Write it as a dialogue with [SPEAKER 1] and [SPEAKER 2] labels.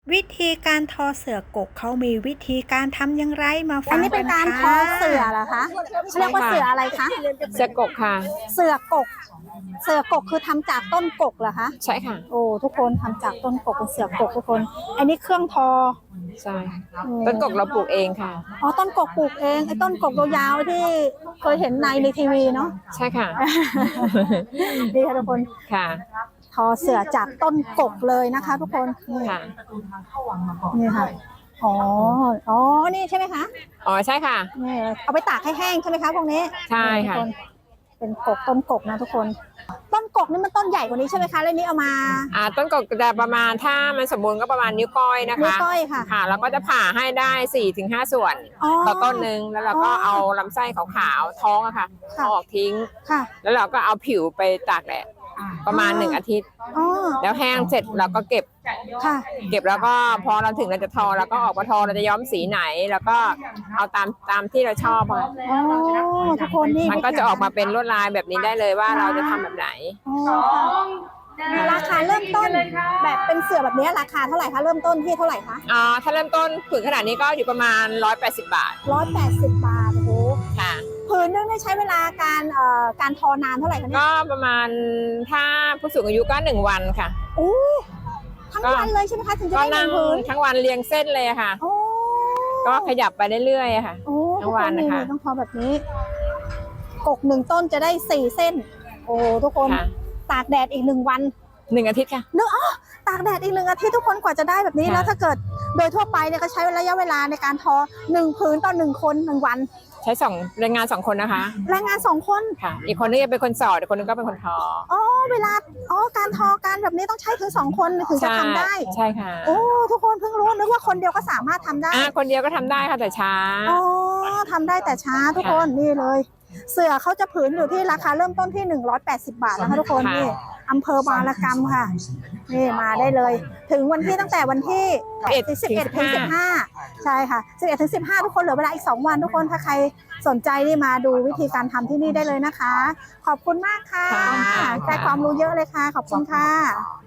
[SPEAKER 1] วิธีการทอเสื่อกกเขามีวิธีการทำอย่างไรมาฟั
[SPEAKER 2] อัน
[SPEAKER 1] ง
[SPEAKER 2] นี้เป็นการทอเสือเหรอคะเรียกว่าเสืออะไรคะ
[SPEAKER 3] เสือกกค่ะ
[SPEAKER 2] เสือกก เสือกกคือทำจากต้นกกเหรอคะ
[SPEAKER 3] ใช่ค่ะ
[SPEAKER 2] โอ้ทุกคนทำจากต้นกกเป็นเสือกกทุกคน อันนี้เครื่องทอ
[SPEAKER 3] ใช่ต้นกกเราปลูกเองค่ะ
[SPEAKER 2] อ๋อต้นกกปลูกเองไอ้ต้นกกยาวๆที่เคยเห็นในทีวีเนาะ
[SPEAKER 3] ใช่ค่ะ
[SPEAKER 2] ดีค่ะทุกคน
[SPEAKER 3] ค่ะ
[SPEAKER 2] ทอเสือจากต้นกกเลยนะคะ ทุกคนนี่
[SPEAKER 3] ค่ะ
[SPEAKER 2] นี่ค่ะอ๋ออ๋อนี่ใช่ไหมคะ
[SPEAKER 3] อ๋อใช่ค่ะ
[SPEAKER 2] นี่เอาไปตากให้แห้งใช่ไหมคะพวกนี้
[SPEAKER 3] ใช่ค่ะ
[SPEAKER 2] ทุกนเป็นกกต้นกกนะทุกคน ต้นกกนี่มันต้นใหญ่กว่านี้ใช่ไหมคะแล้วนี้เอามา
[SPEAKER 3] ต้นกกจะประมาณถ้ามันสมบูรณ์ก็ประมาณนิ้วก้อยนะคะ
[SPEAKER 2] นิ้วก้อยค่ะ
[SPEAKER 3] ค่ะแล้วก็จะผ่าให้ได้ 4-5 ส่วน
[SPEAKER 2] อ๋อ
[SPEAKER 3] ต่อต้นหนึ่งแล้วเราก็เอาลำไส้ขาวๆท้องอะค่ะ
[SPEAKER 2] ค่ะ
[SPEAKER 3] เอาออกทิ้ง
[SPEAKER 2] ค่ะ
[SPEAKER 3] แล้วเราก็เอาผิวไปตากแดดประมาณ 1 อาทิตย์
[SPEAKER 2] อ๋อ
[SPEAKER 3] แล้วแห้งเสร็จเราก็เก็บ
[SPEAKER 2] ค่ะ
[SPEAKER 3] แล้วก็พอเราถึงเราจะทอเราก็ออกมาทอเราจะย้อมสีไหน แล้วก็เอาตามที่เราชอบค่ะ
[SPEAKER 2] อ๋อทุกคนนี่
[SPEAKER 3] มันก็จะออกมาเป็นลวดลายแบบนี้ได้เลยว่าเราจะทำแบบไหน
[SPEAKER 2] อ๋อค่ะราคาเริ่มต้นแบบเป็นเสือแบบนี้ราคาเท่าไหร่คะเริ่มต้นที่เท่าไหร่คะ
[SPEAKER 3] ถ้าเริ่มต้นผืนขนาดนี้ก็อยู่ประมาณ180 บาท
[SPEAKER 2] 180 บาทโอ้โห
[SPEAKER 3] ค่ะ
[SPEAKER 2] ผืนนึงได้ใช้เวลาการทอนานเท่าไหร่คะเนี่ย
[SPEAKER 3] ก็ประมาณถ้าผู้สูงอายุก็1 วันค่ะ
[SPEAKER 2] โอ้ทั้งวันเลยใช่ไหมคะถึงจะ
[SPEAKER 3] ก็
[SPEAKER 2] ได้ห
[SPEAKER 3] นั่
[SPEAKER 2] นึ่
[SPEAKER 3] ง
[SPEAKER 2] งผืน
[SPEAKER 3] ทั้งวันเรียงเส้นเลยค่ะ
[SPEAKER 2] โอ้
[SPEAKER 3] ก็ขยับไปเรื่อยๆค่ะ
[SPEAKER 2] โอ้
[SPEAKER 3] ทั้งวัน
[SPEAKER 2] ทุก
[SPEAKER 3] นะคะ
[SPEAKER 2] ต้องทอแบบนี้ กก1 ต้นจะได้4 เส้น โอ้ทุกคน
[SPEAKER 3] ค่ะ
[SPEAKER 2] ตากแดดอีก1 วัน
[SPEAKER 3] 1 อาทิตย์ค่ะ
[SPEAKER 2] นึกตากแดดอีก1 อาทิตย์ทุกคนกว่าจะได้แบบนี้
[SPEAKER 3] ค่ะ
[SPEAKER 2] แล้วถ้าเกิดโดยทั่วไปเนี่ยก็ใช้ระยะเวลาในการทอ1 ผืนต่อ1 คน1 วัน
[SPEAKER 3] ใช้แรงงาน 2 คนนะคะ
[SPEAKER 2] แรงงาน2 คน
[SPEAKER 3] ค่ะ อีกคนนึงจะเป็นคนสอดอีกคนนึงก็เป็นคนทอ
[SPEAKER 2] อ๋อเวลาการทอการแบบนี้ต้องใช้ถึง2 คนถึงจะทำได้
[SPEAKER 3] ใช่ค่ะ
[SPEAKER 2] โอ้ทุกคนเพิ่งรู้นึกว่าคนเดียวก็สามารถทำได้
[SPEAKER 3] คนเดียวก็ทำได้ค่ะแต่ช้า
[SPEAKER 2] อ๋อทำได้แต่ช้าทุกคนนี่เลย เสือเขาจะผืนอยู่ที่ราคาเริ่มต้นที่180 บาทนะคะทุกคน
[SPEAKER 3] ค่ะ
[SPEAKER 2] นี่อำเภอบางละกำค่ะนี่มาได้เลย ถึงวันที่ตั้งแต่วันที่11 ถึง 15ใช่ค่ะ11 ถึง 15ทุกคนเหลือเวลาอีก2 วันทุกคนถ้าใครสนใจนี่มาดูวิธีการทำที่นี่ได้เลยนะคะ ขอบคุณมากค่ะ
[SPEAKER 3] ค่ะ
[SPEAKER 2] ได้ความรู้เยอะเลยค่ะขอบคุณค่ะ